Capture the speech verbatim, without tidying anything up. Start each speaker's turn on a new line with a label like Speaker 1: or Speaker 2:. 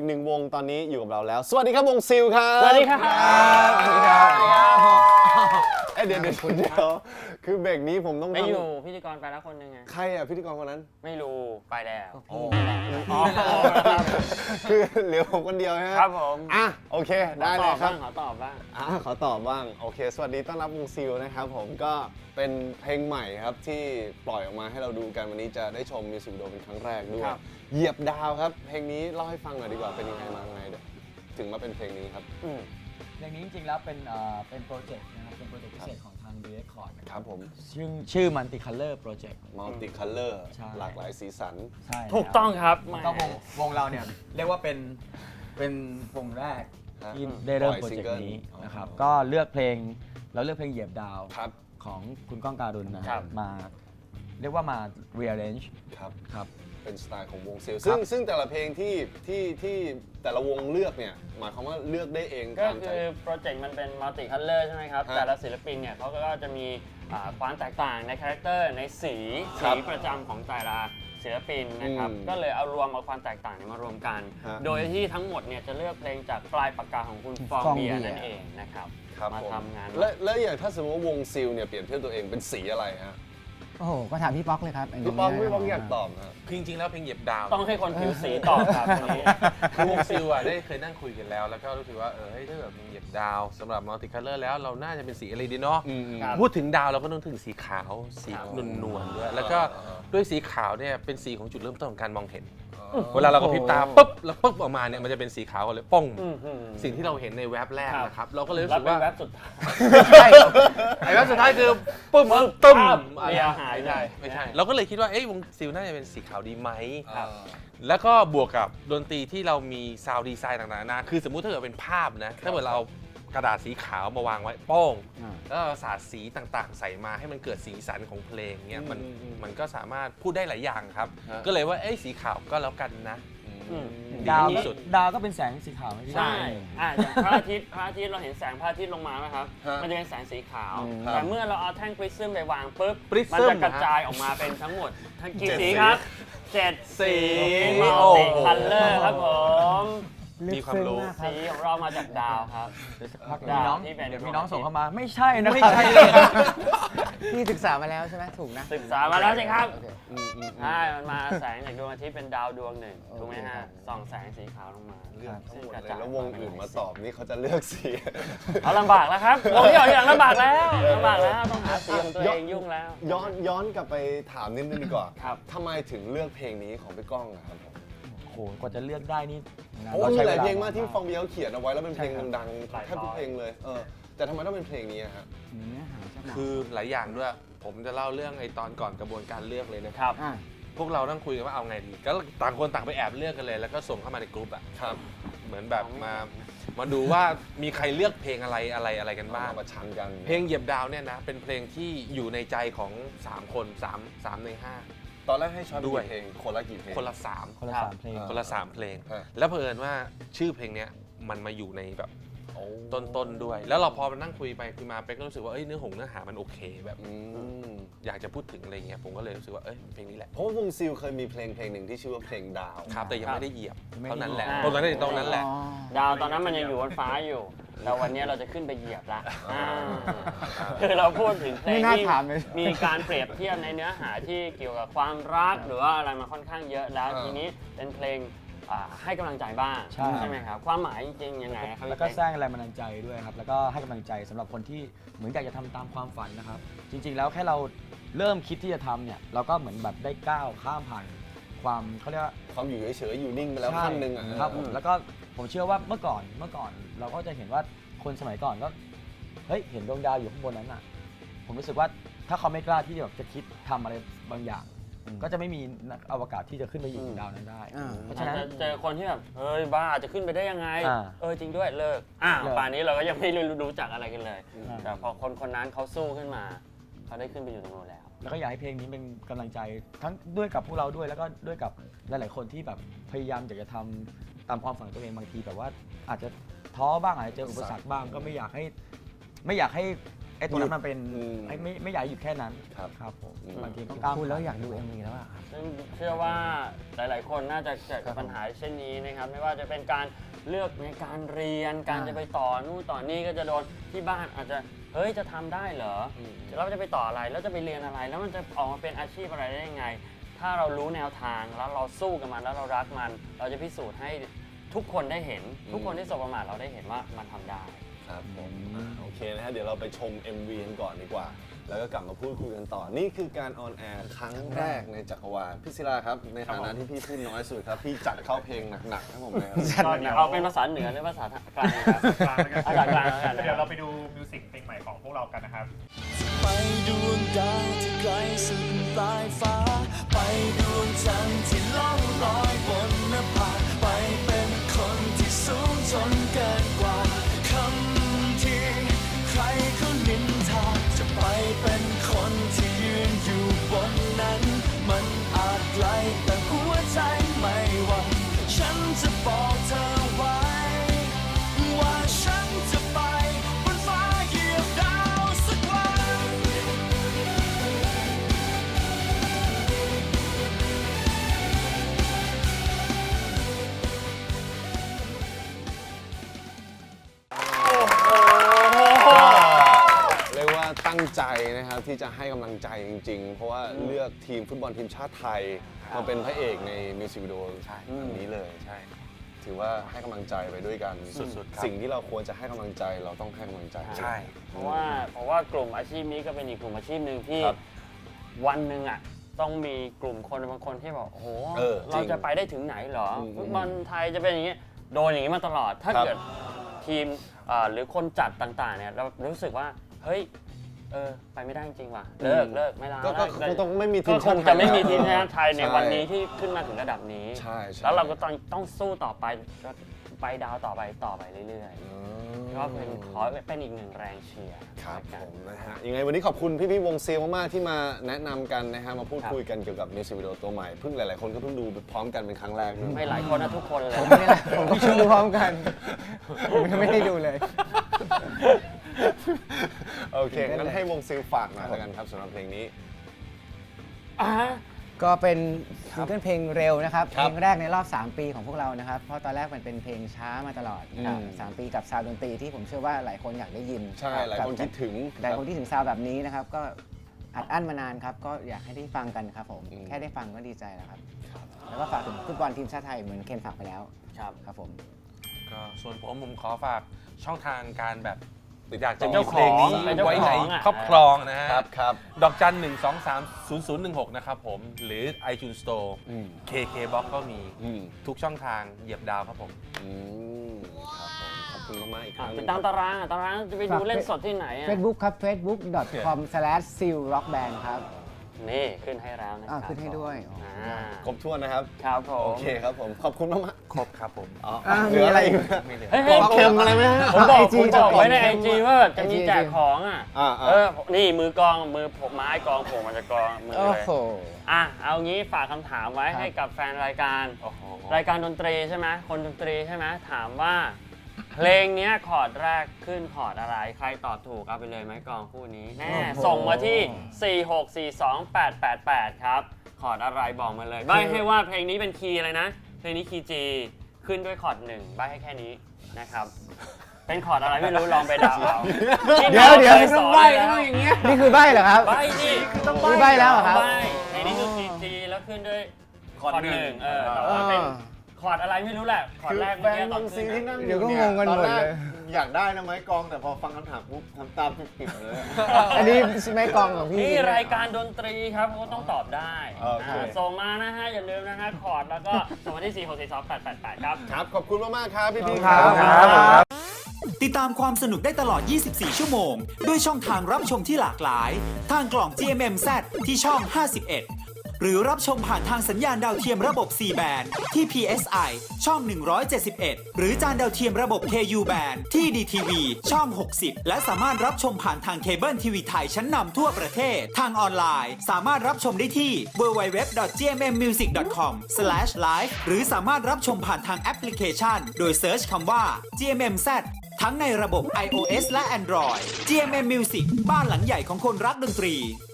Speaker 1: หนึ่งวงตอนนี้อยู่กับเราแล้วสวัสดีครับวงซิลครับ
Speaker 2: สวัสดีครับ
Speaker 1: สวัสดีครับเอ้ยเดี๋ยวเดี๋ยวเดี๋ยวคือเบรกนี้ผมต้อง
Speaker 2: ไม่
Speaker 1: ทำ
Speaker 2: อยู่พิธีกรไปแล้วคนหนึงไง
Speaker 1: ใครอ่ะพิธีกรคนนั้น
Speaker 2: ไม่รู้ไปแล้ว
Speaker 1: อ๋อคือเหลือผมคนเดียวใช่ไหม
Speaker 2: ครับผม
Speaker 1: อ่ะโอเคได้เลยครับ
Speaker 2: ขอตอบบ้าง
Speaker 1: อ่ะขอตอบบ้างโอเคสวัสดีต้อนรับวงซิลนะครับผมก็เป็นเพลงใหม่ครับที่ปล่อยออกมาให้เราดูกันวันนี้จะได้ชมมิวสิกวิดีโอเป็นครั้งแรกด้วย
Speaker 2: ครับ
Speaker 1: เหยียบดาวครับเพลงนี้เล่าให้ฟังหน่อยดีกว่าเป็นยังไงมาไงเดี๋ยวถึงมาเป็นเพลงนี้ครับ
Speaker 2: อืม
Speaker 3: เพลงนี้จริงๆแล้วเป็นเอ่อเป็นโปรเจกต์นะครับเป็นโปรเจกต์พิเศษของทาง ดี เรคคอร์ด
Speaker 1: ครับผม
Speaker 3: ชื่อชื่อ Multi Color Project
Speaker 1: มัลติคัลเลอร์
Speaker 3: ใช่
Speaker 1: หลากหลายสีสัน
Speaker 3: ใช่
Speaker 2: ถูกต้องครับ
Speaker 3: ก็วงวงเราเนี่ยเรียกว่าเป็นเป็นวงแรกที่ได้เริ่มโปรเจกต์นี้นะครับก็เลือกเพลงเราเลือกเพลงเหยียบดาว
Speaker 1: ครับ
Speaker 3: ของคุณก้องการุณนะค
Speaker 2: ครั
Speaker 3: รับบ มาเรียกว่ามา rearrange
Speaker 1: ครับ
Speaker 3: ครับ
Speaker 1: เป็นสไตล์ของวงซิลซึ่งซึ่งแต่ละเพลงที่ที่ที่แต่ละวงเลือกเนี่ยหมายความว่าเลือกได้เอง
Speaker 2: ก็
Speaker 1: ตามใจ
Speaker 2: คือโปรเจกต์มันเป็นมัลติคัลเลอร์ใช่ไหมครับ
Speaker 1: ฮะ
Speaker 2: แต่ละศิลปินเนี่ยเขาก็จะมีอ่าความแตกต่างในคาแรคเตอร์ในสี
Speaker 1: ครั
Speaker 2: สี
Speaker 1: บ
Speaker 2: ประจำของแต่ละศิลปินนะครับ
Speaker 1: อืม
Speaker 2: ก็เลยเอารวมเอาความแตกต่างเนี่ยมารวมกัน
Speaker 1: ฮะ
Speaker 2: โดยที่ทั้งหมดเนี่ยจะเลือกเพลงจากปลายปากกาของคุณฟอง
Speaker 3: ฟอง
Speaker 2: เบียร์
Speaker 3: เบียร์
Speaker 2: นั่นเองนะครับ
Speaker 1: ครับ
Speaker 2: มา
Speaker 1: ผม
Speaker 2: ทำงาน
Speaker 1: และและอย่างถ้าสมมติว่าวงซิลเนี่ยเปลี่ยนเทียบตัวเองเป็นสีอะไรฮะ
Speaker 4: โอ้โห ก็ถามพี่ป๊อกเลยครับนนี้
Speaker 1: พี่ป้อง
Speaker 4: นะ
Speaker 1: พี่ป้องอยากตอบนะ
Speaker 5: คือจริงๆแล้วเพลงเหยียบดาว
Speaker 2: ต้องให้คนผิวสีตอบครับตรงนี้
Speaker 5: คือวงซิลอ่ะได้เคยนั่งคุยกันแล้ว แล้วก็รู้สึกว่าเออเฮ้ยถ้าแบบเพลงเหยียบดาวสำหรับมัลติคัลเลอร์แล้วเราน่าจะเป็นสีอะไรดีเนาะ
Speaker 1: อืม
Speaker 2: ครับ
Speaker 5: พูดถึงดาวเราก็นึกถึงสีขาวสี
Speaker 2: ครับ
Speaker 5: นวลๆด้วยแล้วก็
Speaker 1: อ่า
Speaker 5: ด้วยสีขาวเนี่ยเป็นสีของจุดเริ่มต้นของการมองเห็น
Speaker 1: อ๋อ
Speaker 5: เวลาเรากระพริบตาปุ๊บแล้วปุ๊บออกมาเนี่ยมันจะเป็นสีขาวกันเลยป้อง
Speaker 2: อื้อหือ
Speaker 5: สิ่งที่เราเห็นในแว็บแรก
Speaker 2: ครับ
Speaker 5: นะครับเราก็เลยรู้
Speaker 2: แล้ว
Speaker 5: สึก
Speaker 2: เป็น
Speaker 5: ว่า
Speaker 2: แว็บสุดท้าย
Speaker 5: ใช่ไอ้แว็บสุดท้ายคือปุ๊บตึ้ม
Speaker 2: เรียหาย
Speaker 5: ไม่ใช่
Speaker 2: เลย
Speaker 5: ไม่ใช่เราก็เลยคิดว่าเอ้ยวงซิลน่าจะเป็นสีขาวดีไหม
Speaker 1: ครับ
Speaker 5: แล้วก็บวกกับดนตรีที่เรามีซาวด์ดีไซน์ต่างๆนานาคือสมมุติถ้าเกิดเป็นภาพนะ ถ้าเกิดเราเอากระดาษสีขาวมาวางไว้โป้ง
Speaker 4: อ่า
Speaker 5: แล้วเราสาดสีต่างๆ ใส่มาให้มันเกิดสีสันของเพลงเนี่ยมัน
Speaker 1: อืมอืม
Speaker 5: มันก็สามารถพูดได้หลายอย่างครับ
Speaker 1: ฮะ
Speaker 5: ก็เลยว่าเอ้ยสีขาวก็แล้วกันนะ
Speaker 2: อืม
Speaker 3: ดาว
Speaker 5: ดีที่สุด
Speaker 3: ดาวก็เป็นแสงสีขาวไหมพี่
Speaker 2: ใช่อ่ะอย่างพระอาทิตย์พระอาทิตย์เราเห็นแสงพระอาทิตย์ลงมาไหมครับ
Speaker 1: ฮะ
Speaker 2: มันจะเป็นแสงสีขาว
Speaker 4: อืม
Speaker 2: แต่เมื่อเราเอาแท่งปริซึมไปวางปุ๊บ
Speaker 5: Prism
Speaker 2: มันจะกระจายออกมาเป็นทั้งหมดทั้งกี่
Speaker 1: เจ็ด
Speaker 2: สี
Speaker 1: สี
Speaker 2: ครับเจ็ด
Speaker 5: สี
Speaker 2: มัลติคัลเลอร์ครับผม
Speaker 4: ลึก
Speaker 5: มีความ
Speaker 4: ซึ้ง
Speaker 5: รู้
Speaker 4: มากครั
Speaker 2: สี
Speaker 4: บ
Speaker 2: ของเรามาจากดาวครับ
Speaker 3: เดี๋ยวสักพัก
Speaker 2: ดาว
Speaker 3: มีน้อง
Speaker 2: ที่เป็น
Speaker 3: เดี๋ยวมีน้องส่งเข้ามาไม่ใช่นะไม่ใช่
Speaker 4: พี่ศึกษามาแล้วใช่ไหมถูกนะ
Speaker 2: ศึกษามาแล้วใช่ครับ
Speaker 4: โอเค
Speaker 1: อืมอืมอืม
Speaker 2: ใช่มันมาแสงจากดวงอาทิตย์เป็นดาวดวงหนึ่งถูกไหมฮะ
Speaker 4: โอเคครับ
Speaker 2: ส่องแสงสีขาวลงมา
Speaker 1: เลือกทั้งหมด
Speaker 2: ซึ่กระ
Speaker 1: เลย
Speaker 2: จาย
Speaker 1: แล้ววงอื่นมาตอบนี่เขาจะเลือกสี
Speaker 2: เอาลำบากแล้วครับวงที่ออกทีหลังลำบากแล้วลำบากแล้วต้องหาสีของตัวเองยุ่งแล้ว
Speaker 1: ย้อนย้อนกลับไปถามนิดนึงดีกว่า
Speaker 2: ครับ
Speaker 1: ทำไมถึงเลือกเพลงนี้ของพี่ก้องอะครับผม
Speaker 3: โอ้โหกว่าจะเลือกได้นี่
Speaker 1: เพราะว่ามีหลายเพลงมากที่
Speaker 3: ร
Speaker 1: ฟองเบียร์เขาเขียนเอาไว้แล้วเป็นเพลง
Speaker 3: ใช่ครับ
Speaker 1: ดัง
Speaker 2: หลาย
Speaker 1: ๆแทบทุก
Speaker 2: ร้อย
Speaker 1: เพลงเลยเออแต่ทำไมต้องเป็นเพลงนี้อะฮะ
Speaker 4: เนื้อหาจะหนัก
Speaker 5: คือหลายอย่างด้วย ผมจะเล่าเรื่องไอ้ตอนก่อนกระบวนการเลือกเลยนะ
Speaker 2: ครับ
Speaker 4: อ่า
Speaker 5: พวกเราต้องคุยกันว่าเอาไงดี ก็ต่างคนต่างไปแอบเลือกกันเลย แล้วก็ส่งเข้ามาในกลุ่มอะ
Speaker 1: ครับ
Speaker 5: เหมือนแบบมา มาดูว่ามีใครเลือกเพลงอะไรอะไรอะไรกันบ้าง
Speaker 1: มาประชันกัน
Speaker 5: เพลงเหยียบดาวเนี่ยนะ เป็นเพลงที่อยู่ในใจของ 3 คน3 3ใน
Speaker 1: ตอนแรกให้ช้อย
Speaker 5: ด้วย
Speaker 1: กี่เพลงคนละกี่เพลง
Speaker 5: 5 คนละ
Speaker 3: คนละ
Speaker 2: ครับ
Speaker 3: สามเพลง
Speaker 1: อ่า
Speaker 5: 3 คนละ 3 เพลง
Speaker 1: ฮะ
Speaker 5: แล้วเผอิญว่าชื่อเพลงเนี้ยมันมาอยู่ในแบบ
Speaker 1: โอ้
Speaker 5: ต้นๆด้วย แล้วเราพอมานั่งคุยไปคุยมาเป๊กก็รู้สึกว่าเอ้ยเนื้อหงเนื้อหามันโอเคแบบ
Speaker 1: อืม
Speaker 5: อยากจะพูดถึงอะไรเงี้ยผมก็เลยรู้สึกว่าเอ้ยเพลงนี้แหละ
Speaker 1: เพราะว่าวงซิลเคยมีเพลงเพลงหนึ่งที่ชื่อว่าเพลงดาว
Speaker 5: ครับแต่ยังไม่ได้เหยียบ
Speaker 3: ไม่ได้
Speaker 5: เท่านั้นแหละ
Speaker 2: เหยียบ
Speaker 5: ตรงนั้นตรงนั้นแหละ
Speaker 4: อ๋อ
Speaker 2: ดาวตอนนั้นมันยังอยู่บนฟ้าอยู่ แต่วันนี้เราจะขึ้นไปเหยียบละอ่าคือเราพูดถึงเพล
Speaker 4: ไม่
Speaker 2: ง
Speaker 4: น่า
Speaker 2: ที่
Speaker 4: ถามเลย
Speaker 2: มีการเปรียบเทียบในเนื้อหาที่เกี่ยวกับความรักหรือว่าอะไรมาค่อนข้างเยอะแล้ว
Speaker 1: อ่า
Speaker 2: ทีนี้เป็นเพลงอ่าให้กำลังใจบ้าง
Speaker 3: ใช่
Speaker 2: ไหมครับ ความหมายจริงๆยังไงครับ
Speaker 3: แล้วก็สร้างแรงบันดาลใจด้วยครับ แล้วก็ให้กำลังใจสำหรับคนที่เหมือนอยากจะทำตามความฝันนะครับ จริง ๆ แล้วแค่เราเริ่มคิดที่จะทำเนี่ย เราก็เหมือนแบบได้ก้าวข้ามผ่านความเขาเรียกว่า
Speaker 1: ความอยู่เฉยๆอยู่นิ่งไปแล้ว
Speaker 3: ใช่
Speaker 1: ขั้นหนึ่งอ่ะ
Speaker 3: ครับผมแล้วก็ผมเชื่อว่าเมื่อก่อนเมื่อก่อนเราก็จะเห็นว่าคนสมัยก่อนก็เฮ้ยเห็นดวงดาวอยู่ข้างบนนั้นอ่ะ ผมรู้สึกว่าถ้าเขาไม่กล้าที่จะแบบจะคิดทำอะไรบางอย่าง ก็จะไม่มีนักอวกาศที่จะขึ้นไปอยู่บนดาวนั้นได้
Speaker 4: อ่า
Speaker 3: เพราะ
Speaker 2: อา
Speaker 3: ฉะ
Speaker 2: จ
Speaker 3: นั้น
Speaker 2: จะเจอคนที่แบบเฮ้ยบ้าจะขึ้นไปได้ยังไง
Speaker 3: อ่า
Speaker 2: เออจริงด้วยเลิกอ้าว
Speaker 3: เลิก
Speaker 2: ป่านนี้เราก็ยังไม่รู้จักอะไรกันเลย
Speaker 3: อ่า
Speaker 2: แต่พอคนคนนั้นเขาสู้ขึ้นมาเขาได้ขึ้นไปอยู่ตรงนู้นแล้ว
Speaker 3: แล้วก็อยากให้เพลงนี้เป็นกำลังใจทั้งด้วยกับพวกเราด้วยแล้วก็ด้วยกับหลาย ๆ คนที่แบบพยายามอยากจะทำตามความฝันของตัวเองบางทีแบบว่าอาจจะท้อบ้างอาจจะเจออุปสรรคบ้างก็ไม่อยากให้ไม่อยากให้ไอ้ตรงนั้นมันเป็น
Speaker 1: อืม
Speaker 3: ไม่ไม่ไม่อยากให้หยุดแค่นั้น
Speaker 1: ครับ
Speaker 3: ครับผม
Speaker 1: อืม
Speaker 3: บางทีต้องก้าว
Speaker 4: พูดแล้วอยากดู เอ็ม วี แล้วอะครับ
Speaker 2: ซึ่งเชื่อว่าหลาย ๆ คนน่าจะเจอกับปัญหาเช่นนี้นะครับ ไม่ว่าจะเป็นการเลือกในการเรียน การ
Speaker 4: อ่า
Speaker 2: จะไปต่อนู่นต่อนี่ก็จะโดนที่บ้านอาจจะเฮ้ยจะทำได้เหรอเราจะไปต่ออะไรแล้วจะไปเรียนอะไร แล้วมันจะออกมาเป็นอาชีพอะไรได้ยังไง ถ้าเรารู้แนวทางแล้วเราสู้กับมันแล้วเรารักมัน เราจะพิสูจน์ให้ทุกคนได้เห็น ทุกคนที่สบประมาทเราได้เห็นว่ามันทำได้
Speaker 1: ครับผมอ่ะโอเคนะฮะเดี๋ยวเราไปชม เอ็ม วี กันก่อนดีกว่า แล้วก็กลับมาพูดคุยกันต่อ นี่คือการออนแอร์ครั้งแรกในจักรวาลพี่ศิลาครับ ในฐานะที่พี่พูดน้อยสุดครับ พี่จัดเข้าเพลงหนักๆให้ผมเลยครับ
Speaker 2: ก็เดี๋ยวเอาเป็นภาษาเหนือหรือภาษากลางครับ
Speaker 6: กลางแล้วกัน
Speaker 2: ภาษากลางแล้วกันนะค
Speaker 6: เดี๋ยว
Speaker 2: รั
Speaker 6: เรา
Speaker 2: บ
Speaker 6: ไปดูมิวสิกเพลงใหม่ของพวกเรากันนะครับ
Speaker 7: ไปดวงดาวที่ไกลสุดปลายฟ้า ไปดวงจันทร์ที่ล่องลอยบนนภาไปเป็นคนที่สูงจนเกินกว่าคำที่ใครเขานินทาจะไปเป็นคนที่ยืนอยู่บนนั้น มันอาจไกลแต่หัวใจไม่หวั่นฉันจะบอกเธอไว้ ว่าฉันจะไปบนฟ้าเหยียบดาวสักวัน
Speaker 1: เรียกว่าตั้งใจนะครับที่จะให้กำลังใจจริงๆ เพราะว่าเลือกทีมฟุตบอลทีมชาติไทยมาเป็นพระเอกในมิวสิกวิดีโออันนี้เลย
Speaker 5: ใช่
Speaker 1: ถือว่าให้กำลังใจไปด้วยกัน
Speaker 5: สุดๆครับ
Speaker 1: สิ่งที่เราควรจะให้กำลังใจเราต้องให้กำลังใจ
Speaker 5: ใช่
Speaker 2: เพราะว่าเพราะว่ากลุ่มอาชีพนี้ก็เป็นอีกกลุ่มอาชีพหนึ่งที่
Speaker 1: ครับ
Speaker 2: วันหนึ่งอ่ะต้องมีกลุ่มคนบางคนที่บอกโอ้โห
Speaker 1: เออจริง
Speaker 2: เราจะไปได้ถึงไหนเหรอ
Speaker 1: อืม
Speaker 2: ฟุตบอลไทยจะเป็นอย่างนี้โดนอย่างนี้มาตลอด ถ้า
Speaker 1: ครับ
Speaker 2: เกิดทีมอ่าหรือคนจัดต่างๆเนี่ยเรารู้สึกว่าเฮ้ยเออไปไม่ได้จริงว่ะเลิกเลิกไม่ได้
Speaker 1: ก็ก็คงต้องไม่มีที
Speaker 2: ก็
Speaker 1: ม
Speaker 2: ค
Speaker 1: ชาง ติไทย
Speaker 2: จะไม่มีทีมชาติไทยใน
Speaker 1: ช่
Speaker 2: วันนี้ที่ขึ้นมาถึงระดับนี้
Speaker 1: ใช่ใช่
Speaker 2: แล้วเราก็ต้องต้องสู้ต่อไปก็ไปดาวต่อไปต่อไปเรื่อย
Speaker 1: อื
Speaker 2: ๆ
Speaker 1: ม
Speaker 2: ก็เป็นขอเป็นอีกหนึ่งแรงเชียร์
Speaker 1: ครับ
Speaker 2: ละ
Speaker 1: ผ
Speaker 2: กัน
Speaker 1: มนะฮะยังไงวันนี้ขอบคุณพี่พี่ๆวงซีลมากๆที่มาแนะนำกันนะฮะมาพูด
Speaker 2: ครับ
Speaker 1: คุยกันเกี่ยวกับมิวสิกวิดีโอตัวใหม่เพิ่งหลายๆคนก็เพิ่งดูพร้อมกันเป็นครั้งแรกด้วย
Speaker 2: ไม่หลายคนนะทุกคนเลย
Speaker 4: ผมไม่ได้ผมก็ดูพร้อมกัน ผมยังไม่ได้ดูเลย
Speaker 1: โอเคงั้นให้วงซีลฝากหน่อยแล้วกันครับสำหรับเพลงนี้
Speaker 2: อ่า
Speaker 4: ก็เป็นซิงเกิลเพลงเร็วนะครับ
Speaker 1: ครั
Speaker 4: เพ
Speaker 1: บ
Speaker 4: ลงแรกในรอบ สาม ปีของพวกเรานะครับ เพราะตอนแรกมันเป็นเพลงช้ามาตลอดนะครับ
Speaker 1: อืม
Speaker 4: สามปีกับซาวด์ดนตรีที่ผมเชื่อว่าหลายคนอยากได้ยิน
Speaker 1: ใช่หลายคนคิดถึง
Speaker 4: หลายคนที่ถึงซาวด์แบบนี้นะครับ ก็อัดอั้นมานานครับ ก็อยากให้ได้ฟังกันครับผม
Speaker 1: อืม
Speaker 4: แค่ได้ฟังก็ดีใจแล้วครับ แล้วก็ฝากถึงฟุตบอลทีมชาติไทยเหมือนเคนฝากไปแล้ว
Speaker 2: ครับ
Speaker 4: ครับผม
Speaker 5: ก็ส่วนผมผมขอฝากช่องทางการแบบ
Speaker 1: ติด
Speaker 5: อยากจะ
Speaker 1: ต่
Speaker 5: มีเพลงนี้
Speaker 2: เป็นเจ้าของ
Speaker 5: ไว้ใน
Speaker 2: อ่ะ
Speaker 5: ครอบครองนะฮะ
Speaker 1: ครับครับ
Speaker 5: ดอกจันหนึ่งสองสามศูนย์ศูนย์หนึ่งหกนะครับผม หรือ iTunes Store
Speaker 1: อืม
Speaker 5: เค เค Box ก็มี
Speaker 1: อืม
Speaker 5: ทุกช่องทางเหยียบดาวครับผม
Speaker 1: อืมครับผมขอบคุณมากๆอีกค
Speaker 2: อ่ะ
Speaker 1: รั้งห
Speaker 2: ติ
Speaker 1: นึ่
Speaker 2: ด
Speaker 1: ง
Speaker 2: ตามตารางอ่ะตารางจะไปดูเล่นสดที่ไหนอ่ะ
Speaker 4: Facebook ครับ facebook com slash seal rock band ครับ
Speaker 2: นี่ขึ้นให้แล้วนะค
Speaker 4: อ่า
Speaker 2: รับ
Speaker 4: ขึ้นให้ด้วย
Speaker 2: อ่า
Speaker 1: ครบถ้วนนะครับ
Speaker 2: ครับผม
Speaker 1: โอเคครับผม ขอบคุณมาก
Speaker 5: ครบครับผม
Speaker 1: ๆอ๋อ
Speaker 4: อ่ะ
Speaker 1: เหลืออะไรอีกไหม
Speaker 5: ไม่เหลือ
Speaker 2: เฮ้ย
Speaker 1: ข
Speaker 2: เฮ้ย
Speaker 1: อเค็มอะไรไหมฮะ
Speaker 2: ผมบอก
Speaker 4: ไอจี
Speaker 2: ผมบอกไว้ใน
Speaker 4: จะ
Speaker 2: ไอ
Speaker 4: บอก
Speaker 2: จีว่าจะมี
Speaker 4: ไอจี
Speaker 2: แจกของอ่ะ
Speaker 1: อ่าๆ
Speaker 2: เออ นี่มือกลองมือผมไม้กลองผมมันจะกลองมือ
Speaker 4: โอ้
Speaker 2: เลย
Speaker 4: โห
Speaker 2: อ่ะ เอางี้ฝากคำถามไว้
Speaker 4: ครับ
Speaker 2: ให้กับแฟนรายการ
Speaker 5: โอ้โห
Speaker 2: รายการดนตรีใช่ไหมคนดนตรีใช่ไหมถามว่า เพลงเนี้ยคอร์ดแรกขึ้นคอร์ดอะไร ใครตอบถูกเอาไปเลยไม้กลองคู่นี้แน่
Speaker 4: โอ้โห
Speaker 2: ส่งมาที่ สี่ หก สี่ สอง แปด แปด แปด ครับ คอร์ดอะไรบอกมาเลยใบให้ว่าเพลงนี้เป็นคีย์อะไรนะ เพลงนี้คีย์ G ขึ้นด้วยคอร์ดหนึ่งใบให้แค่นี้นะครับ เป็นคอร์ดอะไรไม่รู้ลองไปเดาเอา
Speaker 4: เดี๋ยวเดี๋ยว
Speaker 2: คสอนแล้ว
Speaker 4: นี่คือใบเหรอครับ
Speaker 2: ใบดิคือต้อง
Speaker 4: นี่ใบ้แล้วเหรอครับ
Speaker 2: ใบเพลงนี้คือคีย์ G แล้วขึ้นด้วยคอร์ดหนึ่งเออแต่ว่าเป็น คอร์ดอะไรไม่รู้แหละ คอร์ด
Speaker 1: คือ
Speaker 2: แรก
Speaker 1: แฟ
Speaker 2: เมื่อน กี้ต
Speaker 1: ว
Speaker 2: อน
Speaker 1: งซี
Speaker 2: ขึ้น
Speaker 1: ที่นั่ง
Speaker 4: เดี๋ยวก็งงกันหมดเลย
Speaker 1: ตอแรกอยากได้นะไม้กลองแต่พอฟังคำถามปุ๊บทำตามปิดๆเลย
Speaker 4: อันนี้ไม่กองของพี่
Speaker 2: นี่
Speaker 4: ใช่ไหม
Speaker 2: รายการดนตรีครับเขาก็ต้องตอบได้
Speaker 1: โอเค
Speaker 2: อ่าส่งมานะฮะ อย่าลืมนะฮะ คอร์ดแล้วก็ส่งมาที่ สี่ หก สี่ สอง แปด แปด แปด ครับ
Speaker 1: ครับ ขอบคุณมากๆครับพี่ๆ
Speaker 4: ครับ
Speaker 1: ครับ
Speaker 7: ติดตามความสนุกได้ตลอด ยี่สิบสี่ ชั่วโมง ด้วยช่องทางรับชมที่หลากหลาย ทางกล่อง จี เอ็ม เอ็ม แซด ที่ช่อง ห้าสิบเอ็ด หรือรับชมผ่านทางสัญญาณดาวเทียมระบบ ซี แบน ที่ พี เอส ไอ ช่อง หนึ่งร้อยเจ็ดสิบเอ็ด หรือจานดาวเทียมระบบ เค ยู แบน ที่ ดี ที วี ช่อง หกสิบ และสามารถรับชมผ่านทางเคเบิลทีวีไทยชั้นนำทั่วประเทศ ทางออนไลน์ สามารถรับชมได้ที่ ดับเบิลยู ดับเบิลยู ดับเบิลยู ดอท จี เอ็ม เอ็ม มิวสิก ดอท คอม สแลช ไลฟ์ หรือสามารถรับชมผ่านทางแอปพลิเคชัน โดยเซิร์ชคำว่า จี เอ็ม เอ็ม แซด
Speaker 8: ทั้งในระบบ iOS และ Android จี เอ็ม เอ็ม Music บ้านหลังใหญ่ของคนรักดนตรี